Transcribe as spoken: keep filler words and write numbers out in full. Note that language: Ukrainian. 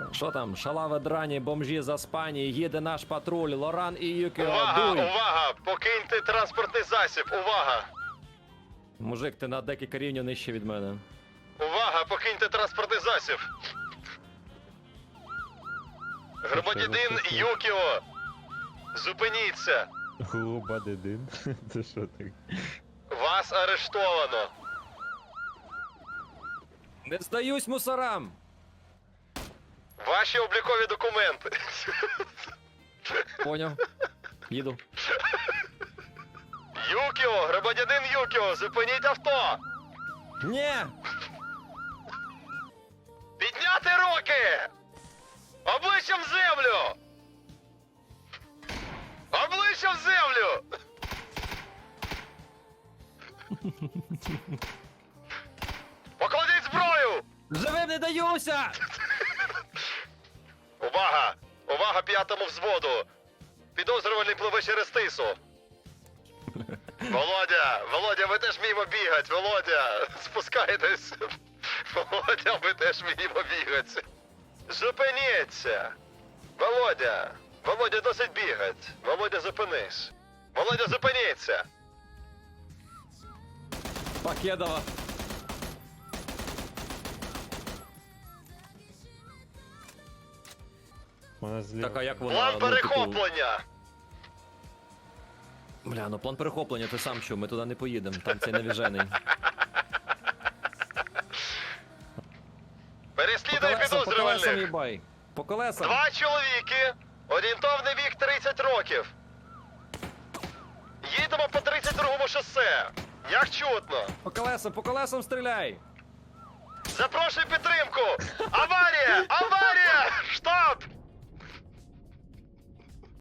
Що там? Шалаве драні, бомжі заспані, їде наш патруль, Лоран і Юкіо, Увага, дуй! увага! Покиньте транспортний засіб, увага! Мужик, ти на декілька рівнів нижче від мене. Увага, покиньте транспортний засіб! Громадянин Юкіо! Зупиніться! Губадидин. Це що так? Вас арештовано! Не здаюсь мусорам! Ваші облікові документи! Поняв. Їду. Юкіо, громадянин Юкіо, зупиніть авто! Ні! Підняти руки! Обличчям в землю! Обличчям в землю! Покладіть зброю! Живим не даюся! Увага! Увага п'ятому взводу! Підозрюваний пливе через тису! Володя! Володя, ви теж вміємо бігати! Володя! Спускайтесь! Володя, ви теж вміємо бігати! Зупиніться! Володя! Володя, досить бігать! Володя, зупинись! Володя, зупиніться! Покедова. Вона зліва. Так, а як вона? План ну, типу, перехоплення! Бля, ну план перехоплення, ти сам чув, ми туди не поїдемо, там цей навіжений. По Переслідує колесам, по колесам підозрюваних! їбай. По колесам. Два чоловіки, орієнтовний вік тридцять років. Їдемо по тридцять другому шосе. Як чутно. По колесам, по колесам стріляй. Запрошую підтримку. Аварія! Аварія!